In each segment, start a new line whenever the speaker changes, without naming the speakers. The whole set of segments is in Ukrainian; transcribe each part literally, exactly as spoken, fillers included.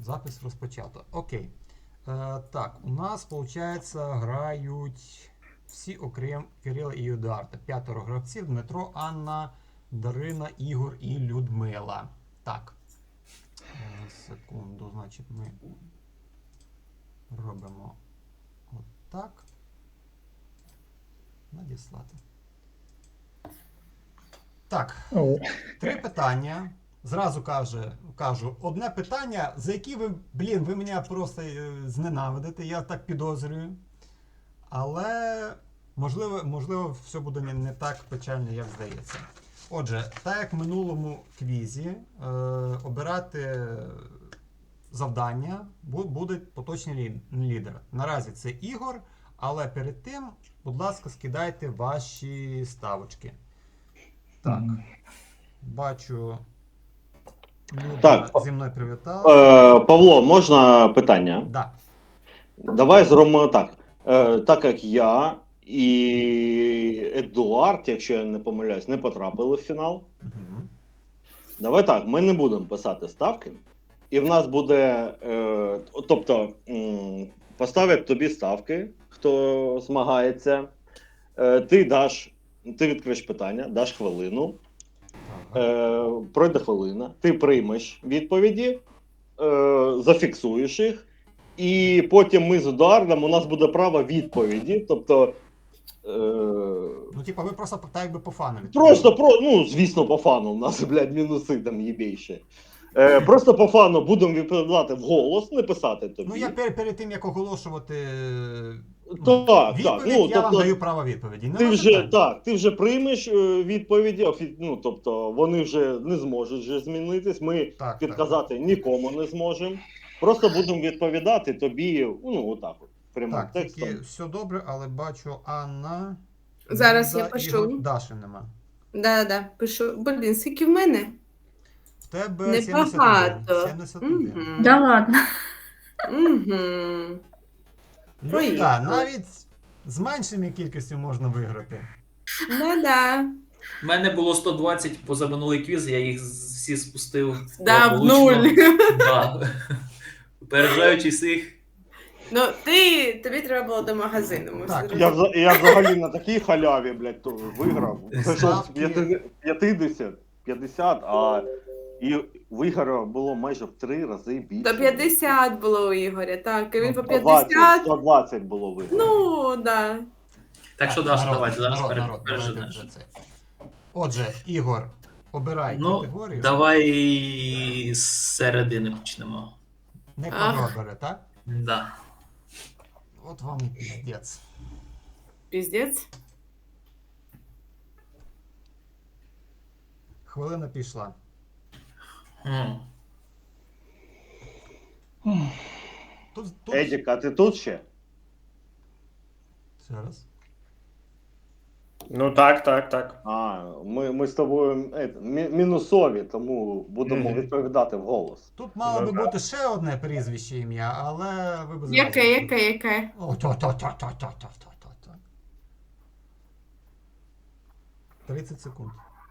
Запис розпочато. Окей. Е, так, у нас, виходить, грають всі, окрім Кирила і Едуарда. П'ятеро гравців: Дмитро, Анна, Дарина, Ігор і Людмила. Так. Е, секунду, значить, ми робимо отак. Надіслати. Так, три питання. Зразу каже, кажу, одне питання, за яке ви, блін, ви мене просто е, зненавидите, я так підозрюю. Але, можливо, можливо все буде не, не так печально, як здається. Отже, так як в минулому квізі, е, обирати завдання буде поточний лі- лідер. Наразі це Ігор, але перед тим, будь ласка, скидайте ваші ставочки. Так, бачу... Люда
Так,
зі мною привітала.
Е, Павло, можна питання?
Да.
Давай зробимо так. Е, так як я і Едуард, якщо я не помиляюсь, не потрапили в фінал.
Угу.
Давай так, ми не будемо писати ставки. І в нас буде, е, тобто, м, поставлять тобі ставки, хто змагається. Е, ти даш, ти відкриєш питання, даш хвилину. Е, пройде хвилина, ти приймеш відповіді, е, зафіксуєш їх, і потім ми з Едуардом, у нас буде право відповіді. Тобто. Е,
Ну, типа, ви просто так якби по фану.
просто, про, ну, звісно, по фану, у нас, блядь, мінуси там єбейші. Е, просто по фану будемо відповідати вголос, не писати тобі.
Ну, я перед, перед тим, як оголошувати
Так,
відповідь,
так, ну,
я
тобто,
вам даю право відповіді.
Ти
Нема
вже,
питань.
так, ти вже приймеш е, відповіді, офі- ну, тобто вони вже не зможуть вже змінитись, ми
Так,
підказати нікому не зможемо. Просто будемо відповідати тобі, ну, отак от, прямим
Так,
текстом.
тільки все добре, але бачу Анна.
Зараз
Люда,
я пишу.
Ігор, Даші нема.
Да-да, пишу. Блін, скільки в мене?
В тебе
Небагато.
сімдесят один.
Мгм.
Да ладно.
Угу.
Люда,
Поїхали.
навіть з меншими кількістю можна виграти.
Да-да.
У мене було сто двадцять позаминулий квіз, я їх всі спустив.
Да, в
благополучно.
нуль.
Да. Опереджаючи всіх.
Ну, ти, тобі треба було до магазину. Ми
Так,
все
Я,
розуміємо.
вза- я взагалі на такій халяві, блядь, то виграв. Прийшов з
Ставки.
п'ятдесят, п'ятдесят, а і в Ігоря було майже в три рази більше.
До п'ятдесят було у Ігоря, так. І він по
сто двадцять,
п'ятдесят.
сто двадцять було виграв.
Ну, да.
Так що, Даша,
народ,
давайте зараз
народ,
пере-
народ,
переженеш.
давайте вже це. Отже, Ігор, обирай
Ну,
категорію.
давай з середини почнемо.
Не
Ах.
квадрат бере, так?
Да.
От вам і піздець.
Піздець.
Хвилина пішла.
М.
Тут, тут...
Едік, а ти тут ще?
Зараз.
Ну так, так, так.
А, ми, ми з тобою е, мі- мінусові, тому будемо
Мгм.
відповідати вголос.
Тут мало би
Ну,
бути ще одне прізвище ім'я, але ви б
Яке,
зразу-
яке, яке?
О, то, то, то, то, то, то, то, то, то. тридцять секунд.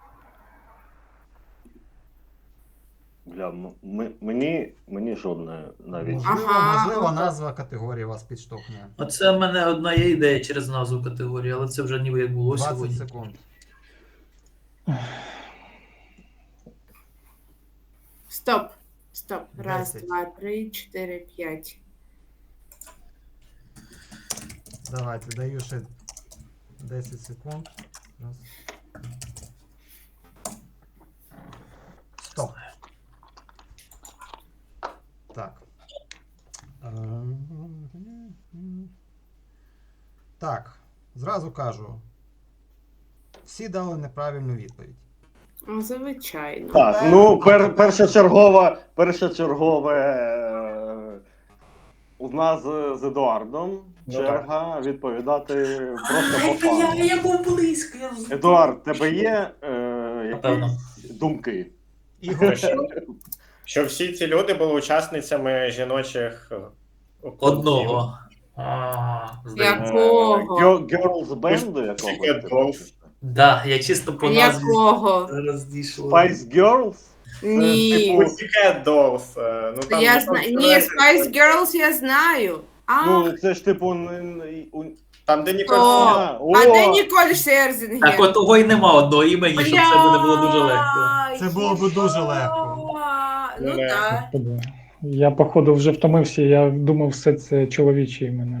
Бля, м- ми- мені, мені жодне навіть.
Можливо,
Ага.
можливо, назва категорії вас підштовхне.
Оце в мене одна є ідея через назву категорії, але це вже ніби як було
двадцять
сьогодні.
секунд.
Стоп. Стоп. Раз,
Десять.
два, три, чотири, п'ять.
Давайте, даю ще десять секунд. Раз. Стоп. Так. Так, зразу кажу. Всі дали неправильну відповідь.
О, звичайно.
Так, ну пер, першочергове, першочергове е, у нас з, з Едуардом
Ну,
черга відповідати просто по фану.
я був близько, я розумію.
Едуард, тебе є е,
Напевно.
якісь думки?
Ігор,
Що всі ці люди були учасницями жіночих е, клубів.
Одного. А, здається.
Якого?
Гьо- Girls Band
Pussycat
якогось?
Dolls.
Да, я чисто по назві
Якого?
зараз дійшло.
Spice Girls?
Ні.
Типу Pussycat Dolls. е, Ну, там,
Я
ну,
знаю.
там
Ні,
сценарій-
Spice Girls я знаю. А,
Ну, це ж типу. не- не- у-
Там, де Ніколь
О,
Кідман.
О!
а де Ніколь Шерзінгер?
Так от того й нема одного імені, щоб це буде було дуже легко.
Бля,
Це було б дуже легко.
Ну
Не.
так.
Господи. Я, походу, вже втомився, я думав, все це чоловічі імена.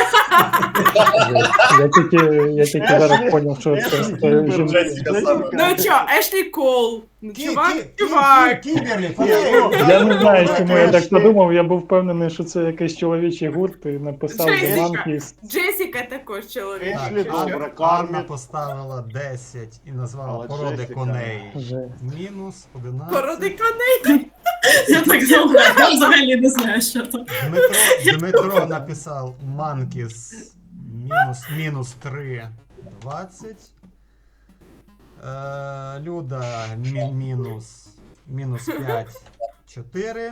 Я тільки, я тільки зараз зрозумів, що це це жінки.
Джесіка саме.
Ну чо, Ешлі Кол. Ну,
Кі-
чувак,
кі- кі-
чувак.
кі- Кімберлі, фанаток.
Я не знаю, чому я так
Ешли.
подумав, я був впевнений, що це якийсь чоловічий гурт і написав
Джесіка.
The Monkeys.
Джесіка також чоловік.
Ешлі,
Так,
добре,
Анна,
Кармен.
Анна поставила десять і назвала
Але
породи
Джесіка.
коней.
Вже.
Мінус одинадцять.
Породи коней.
Я так думаю, я взагалі не знаю, що там.
Дмитро, Дмитро написав Манкіс мінус, мінус три, двадцять. Е, Люда мі, мінус, мінус п'ять, чотири.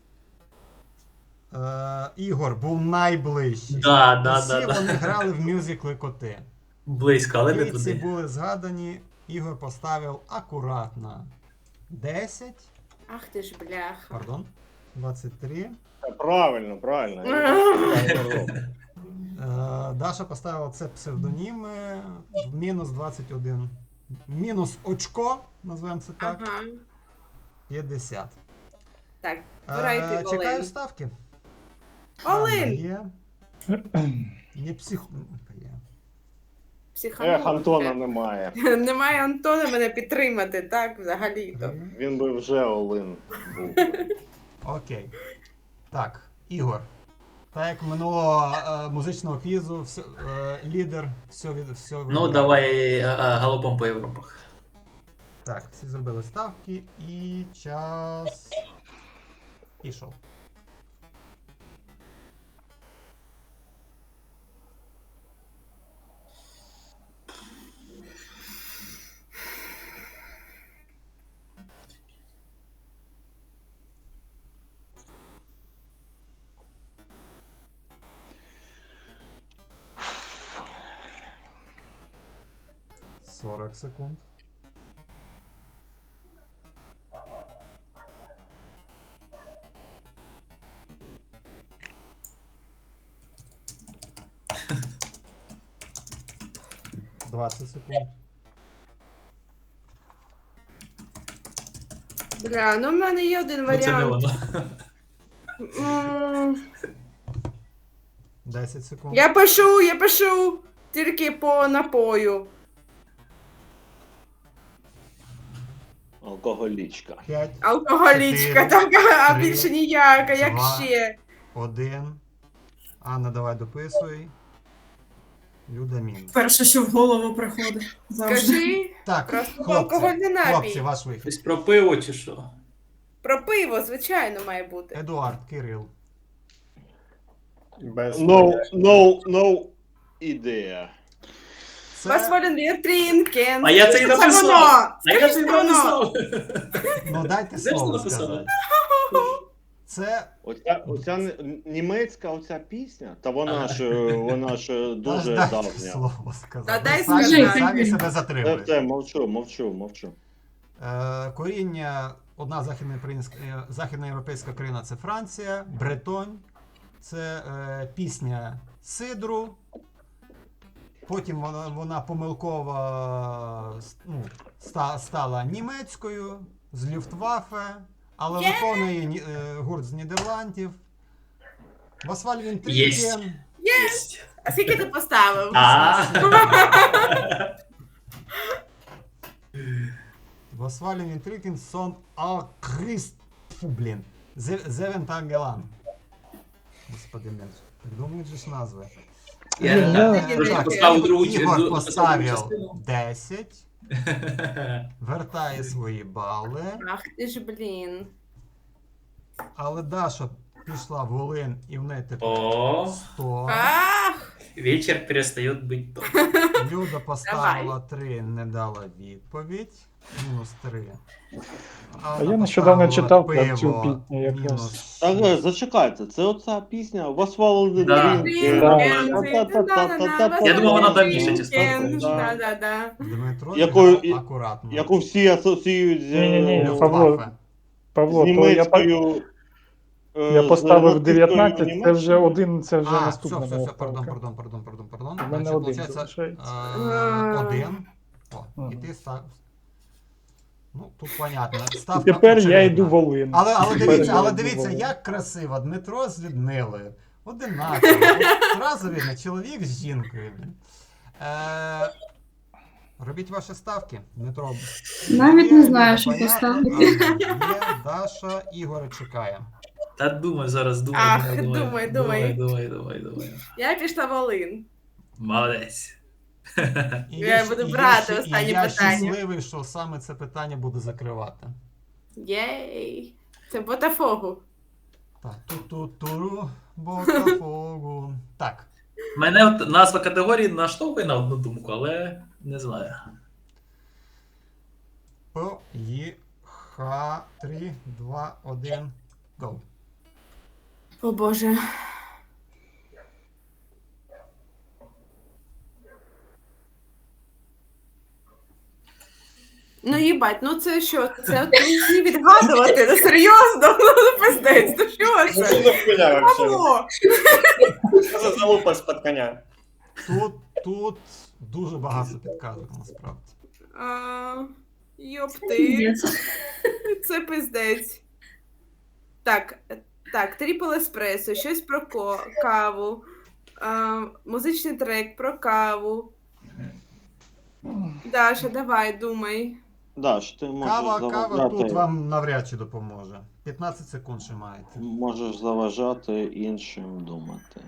Е, Ігор був найближчий.
Да, да,
Усі
да, да.
вони грали в мюзикли коти.
Близько, але не
Кільці
туди.
були згадані. Ігор поставив акуратно десять,
Ах ти ж бляха.
пардон, двадцять три.
Правильно, правильно.
Е, Даша поставила це псевдоніми в мінус двадцять один. Мінус очко, назвемо це так,
Ага.
п'ятдесят.
Так,
Е,
збирайте
Чекаю
Олен.
ставки.
Олен!
Анна є. Не псих... є.
Психанув.
Ех, Антона немає.
Немає Антона мене підтримати, так, взагалі-то.
Він би вже Олин був.
Окей. Так, Ігор. Так як минулого е, музичного квізу, все, е, лідер, все від все
Ну,
вибирає.
давай а, а, галопом по Європах.
Так, всі зробили ставки і час пішов. сорок секунд. двадцять секунд.
Бля, ну в мене є один
Ну, це не
варіант.
воно.
М,
десять секунд.
Я пишу, я пишу тільки по напою.
Алкоголічка.
п'ять,
Алкоголічка,
Чотири,
так, а
три,
більше ніяка, як
два.
ще.
один. Анна, давай дописуй. Люда мінус.
Перше, що в голову приходить. Завжди.
Скажи
Так,
просто
хлопці,
алкогольний напій.
хлопці, ваш вихід.
Щось про пиво чи що?
Про пиво, звичайно, має бути.
Едуард, Кирил.
Без
No, no, no ідея.
Was
Це,
wollen wir trinken?
А я це і
Це
написав.
воно!
А я
Скажи,
це і
це воно!
написав.
ну дайте
Знаєш,
слово
що написано?
сказати. Це,
Оця, оця н- німецька оця пісня, та вона ж е, вона ж е,
аж
дуже
дайте
давня.
слово сказати.
Та дай
Ви самі,
сказати.
самі себе
Все,
затримуєте.
все, мовчу, мовчу, мовчу.
Е, коріння, одна західноєвропейська, е, західноєвропейська країна це Франція, Бретонь, це е, пісня Сидру. Потім вона, вона помилково ну, ста, стала німецькою з Люфтваффе, але
Є!
виконує ні- е, гурт з Нідерландів. Васваль він
Єсть. Єсть.
А скільки ти поставив?
А.
Васваль він Трикін сон Алкрист. Фу, блін. Зевентагелан. Господи, мен. Придумують же ж назви.
Я
Я-
трошки
Так,
поставив другу
Ігор
другу
поставив
частину.
десять, вертає свої бали,
Ах ти ж, блін.
але Даша пішла в Волин і в неї тепер
О,
сто.
Ах!
вечір перестає бути то.
Люда поставила три, не дала відповідь. Мінус три.
А я нещодавно читав про цю пісню якраз.
Мінус
Так,
шість.
е, зачекайте, це оця пісня Was Wallen
Да.
Я
думав, вона давніше, чесно.
Да, да, да.
Дмитро
Якою-
зіграв акуратно.
яку всі асоціюють з
Ні-ні-ні,
е,
Павло,
Люфтваффе.
Павло,
з
то я, по-
німецькою. е,
я
з
поставив
нацистською
дев'ятнадцять, це
Німеччиною.
вже один, це вже
А, все,
наступна
все,
моя
все, пардон,
ставка.
пардон, пардон, пардон, пардон.
У мене
Значить,
один
получається,
залишається.
е, один. О, і
Мгм.
ти став. Ну, тут понятно. Ставка
І тепер я
очевидна.
йду Волин.
Але, але
Тепер
дивіться,
я
але
йду
дивіться,
Волин.
як красиво. Дмитро з Людмилою. Одинаково. От Зразу видно, чоловік з жінкою. блін. Е, робіть ваші ставки. Дмитро.
Навіть
є,
не знаю,
Люда,
що
понятно.
поставити.
Анна є, Даша, Ігор чекає.
Та думай зараз, думай,
Ах,
думай,
думай,
думай,
думай.
думай, думай, думай.
Я пішла Волин.
Молодець.
І
Я
щ-
буду
і
брати
щ-
останнє
і я
питання.
щасливий, що саме це питання буду закривати.
Єй. Це Ботафогу.
Так, ту-ту-туру, Ботафогу. Так,
Мене от назва категорії наштовхує на одну думку, але не знаю.
поїха, три, два, один, go.
О боже. Ну їбать, ну це що? Це от мені відгадувати? Ну серйозно? Ну пиздець, ну що
Ну
це?
що за хуйня вообще?
Павло!
Що за залупа з-під коня?
Тут, тут дуже багато підказок, насправді.
А, Йопти.
Пиздец.
Це пиздець. Так, так, тріпл еспресо, щось про ко- каву, а, музичний трек про каву. Даша, давай, думай.
Даш, ти можеш
Кава,
заважати.
кава тут вам навряд чи допоможе. п'ятнадцять секунд ще маєте.
Можеш заважати іншим думати.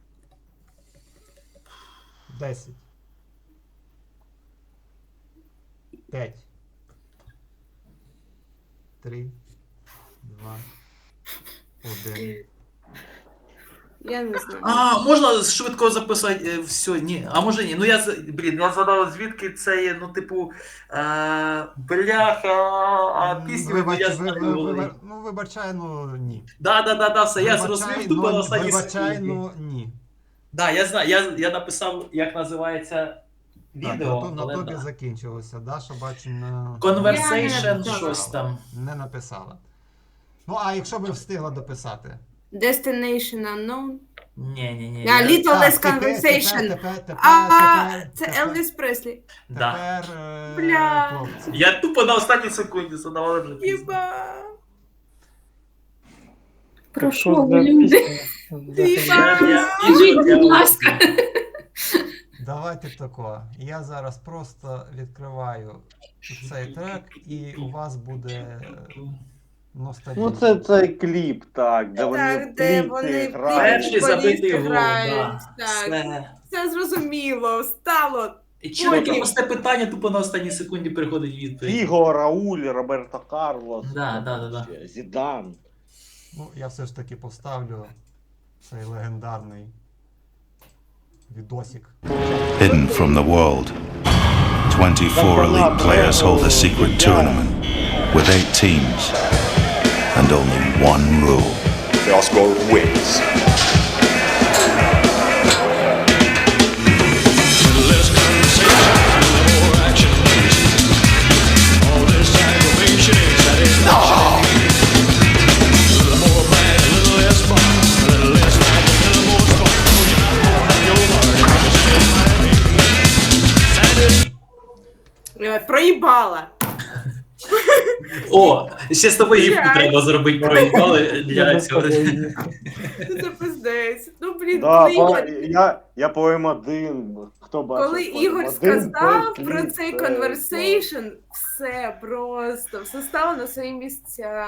десять. п'ять. три, два, один.
Я не знаю.
А, можна швидко записати е, все? Ні. А може ні. Ну я з- блін, я згадав, звідки це є, ну, типу, е, бляха, а пісню ну,
Вибач,
я
ви-
знаю.
ви- ви- ну, вибачай, ну ні.
Да, да, да, да, все, я
Вибачай,
зрозумів тупо
ну,
на останній
Вибачай,
секунді.
ну ні.
Да, я знаю, я, я написав, як називається
Так,
відео,
на, то- на
але
тобі
да.
закінчилося. Даша, бачу, не,
Я
Conversation,
не
щось там.
не написала. Ну, а якщо би встигла дописати?
Destination unknown.
Ні, ні, ні.
А,
я-
Little
Так,
Less
тепер-
Conversation.
Тепер, тепер, тепер,
А,
тепер,
це
тепер,
Елвіс Преслі.
Да.
Тепер, е,
Бля.
хлопці.
Я тупо на останній секунді задав, але вже пізно.
Єба.
Про
Що
що
за
ви, люди?
пісня?
Єба.
Я- я-
Скажіть,
я-
будь ласка.
Давайте тако. Я зараз просто відкриваю цей трек, і у вас буде ностальгія.
Ну, це цей кліп, так, де вони
Так,
в
де
кліпі
вони
грають.
Перший
футболісти
забитий гол,
грають,
да.
так.
Все.
Це зрозуміло, стало.
І чоловік
Потім.
просте питання, тупо на останній секунді приходить відповідь.
Фіго, Рауль, Роберто Карлос,
Да, да, да, да.
Зідан.
Ну, я все ж таки поставлю цей легендарний відосик.
Hidden from the world, twenty-four elite players hold a secret tournament with eight teams and only one rule.
The Oscar wins.
Е, Проїбала.
О, ще з тобою гіпку
Блядь.
треба зробити проїбали
Я
для
без
цього.
тобою.
Ну, це пиздець. Ну, блін,
Да,
коли,
па-
Ігор,
я, я поем один. Хто бачив?
коли
поем
Ігор
один,
сказав
той
про
кліп,
цей
це
conversation, все просто, все стало на свої місця.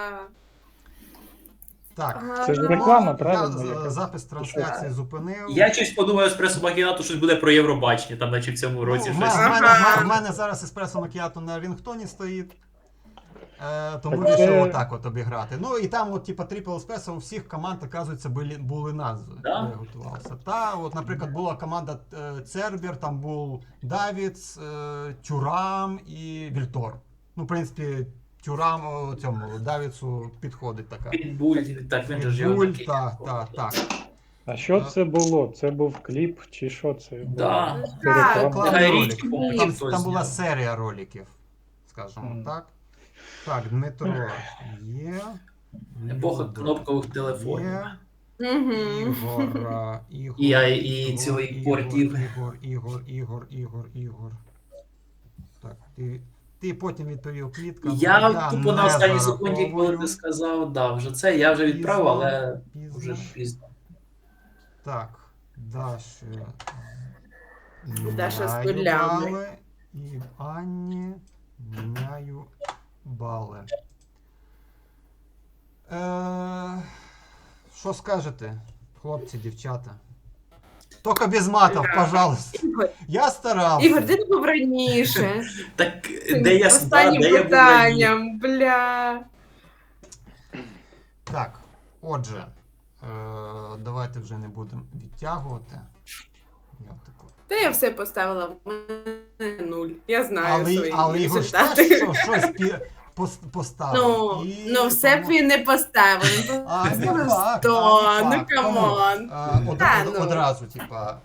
Так.
Це ж
А,
реклама,
Я
правильно?
з-
Яка?
запис трансляції зупинив.
Я щось подумав, еспресо Макіато щось буде про Євробачення, там наче в цьому
Ну,
році
в
щось.
мене, в мене,
Ага.
в мене зараз еспресо макіато на рінгтоні стоїть. Е, тому
Так
вирішив
це-
отак от обіграти. Ну і там, от, типа, Triple Espresso у всіх команд, оказується, були, були назви.
Да?
Я готувався. Та, от, наприклад, була команда е, Цербер, там був Давіц, е, Тюрам і Вільтор. Ну, в принципі, Тюрам о, цьому Давіцу підходить така.
Підбуль, так він же ж його
Буль,
такий.
так, так, так.
А що це було? Це був кліп чи що це було?
Да.
Це
Так.
реклама?
Рекламний
Гай
ролик.
Річ, по-моєму,
Там,
ніхто
там була
зняв.
серія роликів, скажімо
Мгм.
так. Так, Дмитро є.
Епоха
Люда
кнопкових телефонів.
є.
Угу.
Ігор, а, Ігор,
І я- і
Ігор,
цілий
Ігор,
портів.
Ігор, Ігор, Ігор, Ігор, Ігор. Так, ти, ти потім відповів клітка.
Я тупо на
не
останній секунді, коли
зараховую.
ти сказав, да, вже це, я вже відправив,
Пізно,
але
пізно.
вже пізно.
Так, Даша.
Даша з
міняю
нулями.
бали, і Анні міняю бали. Е, що скажете, хлопці, дівчата? Тільки без матів,
Ігор.
пожалуйста.
Ігор,
Я старався.
Ігор, де ти був раніше?
Так, де я да,
Останнім
де я був раніше?
питанням, бля.
Так, отже, е, давайте вже не будемо відтягувати. Я таку.
Та я все поставила в мене нуль. Я знаю
Але,
свої
але Ігор ж
результати.
теж що- щось пі- пос- поставив.
Ну,
І
ну все б
тому-
він не поставив. Він
А, не
поставив
факт,
сто,
а, не
ну
факт. Тому,
камон.
а, од-
Та,
од-
ну.
Одразу, типа.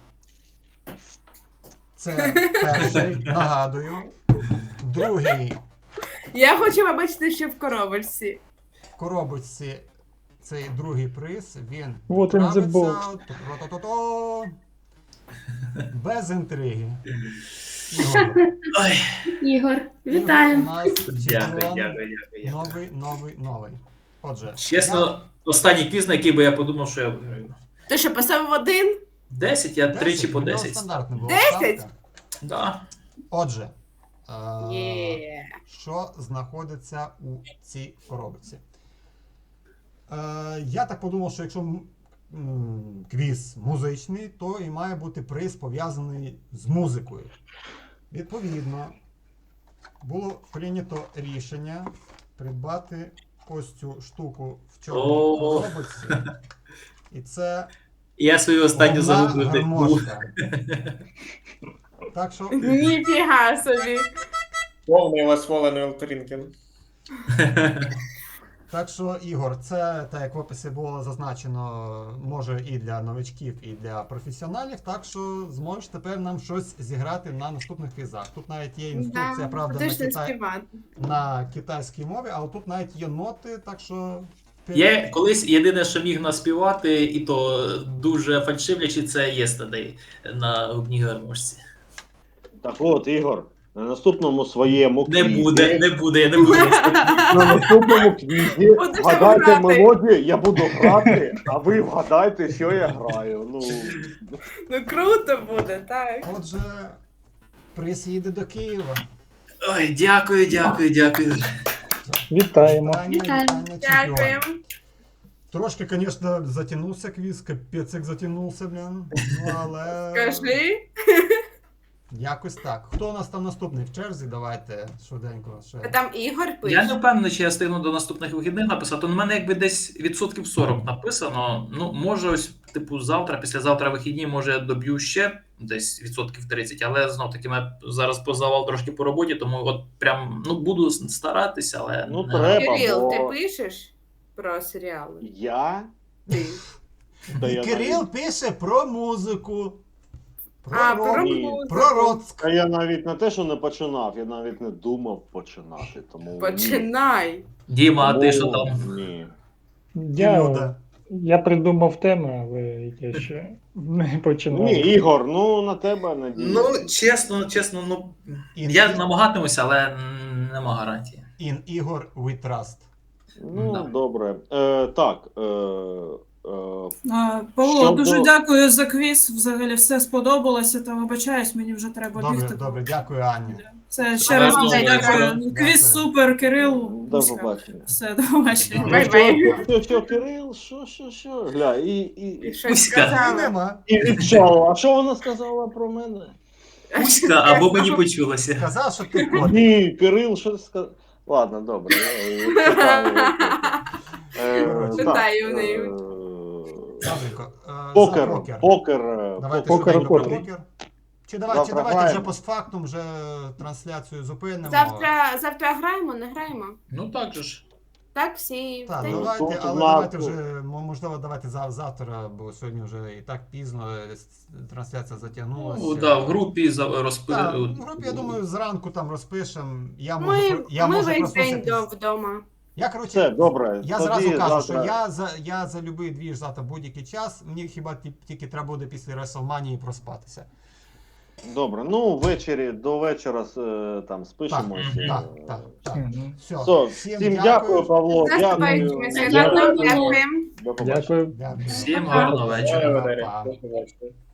Це перший, нагадую. Другий
Я хочу побачити, що в коробочці.
в коробочці цей другий приз, він
What in the
відправиться,
box?
то-то-то-то, без інтриги. Ігор,
Ой,
Ігор,
Ігор у
вітаємо.
нас
дякую,
чемпіон.
дякую, дякую. дякую.
Новий, новий, новий. Отже,
Чесно, останній квіз, на який би я подумав, що я виграю.
Ти що, поставив один?
десять, я
я
тричі по
у нього
десять.
стандартна була
десять?
ставка.
Да.
Отже, е,
Є.
що знаходиться у цій коробці? Е, я так подумав, що якщо м, м, квіз музичний, то і має бути приз пов'язаний з музикою. Відповідно, було прийнято рішення придбати ось цю штуку в чорній
О.
коробці. І це
Я свою останню
одна
загублю.
гармошка. Так що
Ніфіга собі.
Повний восволений Елтрінкен.
Так що, Ігор, це, так як в описі було зазначено, може і для новичків, і для професіоналів, так що зможеш тепер нам щось зіграти на наступних квізах. Тут навіть є інструкція, правда, на,
Будеш не
китай...
співати.
на китайській мові, але тут навіть є ноти, так що...
Я колись єдине, що міг наспівати, і то дуже фальшивлячи, це Yesterday на губній гармошці.
Так от, Ігор, на наступному своєму
Не
квізі,
буде, не буде, я не буду.
на наступному квізі
Будеш
вгадайте
грати.
мелодію, я буду грати, а ви вгадайте, що я граю. Ну,
Ну круто буде, так.
Отже, приз їде до Києва.
Ой, дякую, дякую, дякую.
Вітаємо.
Вітання,
Вітаємо.
вітання, чемпіон.
Дякуємо.
Трошки, звісно, затягнувся квіз, капець як затягнувся, блін. Ну, але...
Скажи.
Якось так. Хто у нас там наступний в черзі? Давайте швиденько ще.
А там Ігор
Я
пише.
не впевнений, чи я встигну до наступних вихідних написати. У мене якби десь відсотків сорок написано. Ну, може, ось, типу, завтра, післязавтра вихідні, може, я доб'ю ще десь відсотків тридцять, але знов таки мене зараз позавал трошки по роботі, тому от прям ну буду старатися, але
Ну,
не-
треба.
Кирил,
бо-
ти пишеш про серіали?
я?
Ти.
Та я
Кирил
навіть-
пише про музику. Про,
А,
рок,
про
Ні.
музику.
про Роцк.
Та я навіть не те, що не починав, я навіть не думав починати. Тому ні.
Починай.
Діма, а ти що
Тому
там?
Ні.
Я,
Люда.
я придумав теми, але я ще не починав.
Ні, Ігор, ну на тебе надію.
Ну, чесно, чесно, ну
In,
я намагатимуся, але м, нема гарантії.
in Ігор we trust.
Ну,
Да.
добре. Е, так. Е, е,
А, Павло,
Щодо-
дуже дякую за квіз. Взагалі все сподобалося, та вибачаюсь, мені вже треба
Добре,
бігти.
добре, дякую, Ані.
Все, ще
Добре,
раз дуже
добре,
дякую.
дякую.
Квіз супер, Кирил.
до
Успіх.
побачення.
Все, до побачення.
Бай,
Ну,
бай.
що, що, що, Кирил, що, що, що? Гля, і, і,
І щось
Кузька.
І
сказала.
нема.
і відчало. А що вона сказала про мене?
Кузька, або мені почулося.
Казав, що ти кот.
Ні, Кирил, що сказав? Ладно, добре. я- я читаю. Е,
Читаю
так,
в неї.
е,
Добренько. е, за
Покер,
покер.
покер. е,
Давайте
Покер,
швиденько про
покер.
покер. Чи давайте, чи
Завтра
давайте вже
граємо.
постфактум, вже трансляцію зупинимо.
Завтра, завтра граємо, не граємо?
Ну так же ж.
Так, всі.
Так,
та й-
давайте,
Тут
але
в
давайте
нас-
вже, м- можливо, давайте за- завтра, бо сьогодні вже і так пізно, е, с- трансляція затягнулася.
Ну, да, в групі за- розпи...
Так, в групі, я думаю, зранку там розпишемо. Я можу,
Ми,
про- я
ми
можу
весь
просто
день
це
до,
піс-
вдома.
Я, коротше,
Все, добре.
я
Тоді
зразу кажу,
завтра-
що я за, я за любий двіж завтра будь-який час. Мені хіба ті- тільки треба буде після WrestleMania проспатися.
Добре, ну ввечері до вечора е, там спишемось.
Так,
е,
Так, так, так.
Мгм.
Все,
Все, всім, дякую, Павло. Дякую.
Наступаючими
Дякую.
святом. Дякуємо.
До побачення.
Дякую.
Дякую.
Всім гарного вечора.
Валерій,
Па-па.
до побачення.